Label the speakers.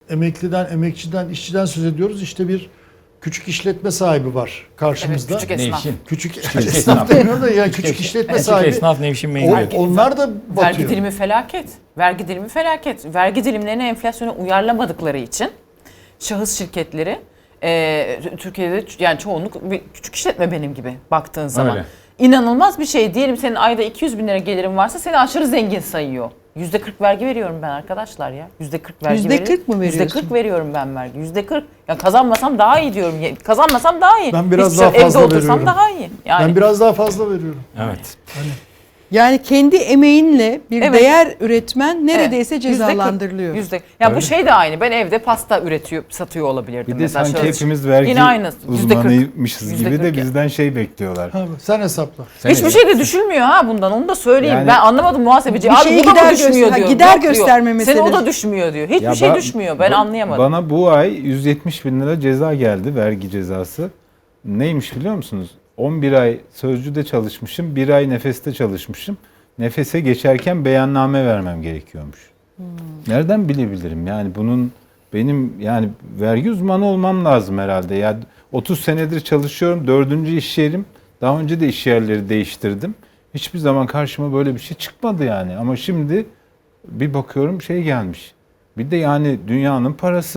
Speaker 1: emekliden, emekçiden, işçiden söz ediyoruz. İşte bir küçük işletme sahibi var karşımızda.
Speaker 2: Evet, küçük esnaf.
Speaker 1: Küçük esnaf demiyorum da yani küçük işletme sahibi.
Speaker 3: Esnaf Nevşin mecburiyeti.
Speaker 1: Onlar da batıyor.
Speaker 2: Vergi dilimi felaket. Vergi dilimi felaket. Vergi dilimlerini enflasyona uyarlamadıkları için şahıs şirketleri Türkiye'de yani çoğunluk bir küçük işletme benim gibi baktığın zaman.
Speaker 3: Öyle.
Speaker 2: İnanılmaz bir şey. Diyelim senin ayda 200 bin lira gelirin varsa seni aşırı zengin sayıyor. %40 vergi veriyorum ben arkadaşlar ya. %40 vergi
Speaker 4: %40 mı veriyorsun?
Speaker 2: %40 veriyorum ben vergi. %40. Ya kazanmasam daha iyi diyorum. Kazanmasam daha iyi.
Speaker 1: Ben biraz
Speaker 2: Hiçbir
Speaker 1: daha
Speaker 2: şey-
Speaker 1: fazla
Speaker 2: evde otursam
Speaker 1: veriyorum.
Speaker 2: daha iyi. Yani
Speaker 1: Ben biraz daha fazla veriyorum.
Speaker 3: Evet.
Speaker 4: Yani kendi emeğinle bir
Speaker 2: Evet.
Speaker 4: değer üretmen neredeyse
Speaker 2: Evet.
Speaker 4: cezalandırılıyor.
Speaker 2: Ya bu
Speaker 3: Öyle.
Speaker 2: şey de aynı. Ben evde pasta üretiyor, satıyor olabilirdim.
Speaker 5: Bir de
Speaker 2: mesela.
Speaker 5: sanki
Speaker 2: Şöyle-
Speaker 5: hepimiz vergi
Speaker 2: Yine aynı.
Speaker 5: uzmanıymışız gibi
Speaker 2: %40
Speaker 5: de
Speaker 2: ya.
Speaker 5: bizden şey bekliyorlar.
Speaker 1: Ha, sen hesapla.
Speaker 2: Hiçbir şey de düşülmüyor ha bundan. Onu da söyleyeyim.
Speaker 5: Yani-
Speaker 2: ben anlamadım muhasebeci.
Speaker 4: Bir
Speaker 2: Abi
Speaker 4: şeyi
Speaker 2: bu da mı
Speaker 4: gider
Speaker 2: düşmüyor
Speaker 4: göster-
Speaker 2: diyor.
Speaker 4: gider
Speaker 2: Yok diyor.
Speaker 4: gösterme
Speaker 2: Senin o
Speaker 4: meselesi.
Speaker 2: da düşmüyor diyor. Hiçbir
Speaker 5: Ya
Speaker 2: şey
Speaker 5: ba-
Speaker 2: düşmüyor. Ben anlayamadım.
Speaker 5: Bana bu ay 170 bin lira ceza geldi, vergi cezası. Neymiş biliyor musunuz? 11 ay sözcüde çalışmışım, 1 ay nefeste çalışmışım. Nefese geçerken beyanname vermem gerekiyormuş. Nereden bilebilirim? Yani bunun benim yani vergi uzmanı olmam lazım herhalde. Ya 30 senedir çalışıyorum, 4. iş yerim. Daha önce de iş yerleri değiştirdim. Hiçbir zaman karşıma böyle bir şey çıkmadı yani. Ama şimdi bir bakıyorum şey gelmiş. Bir de yani dünyanın parası.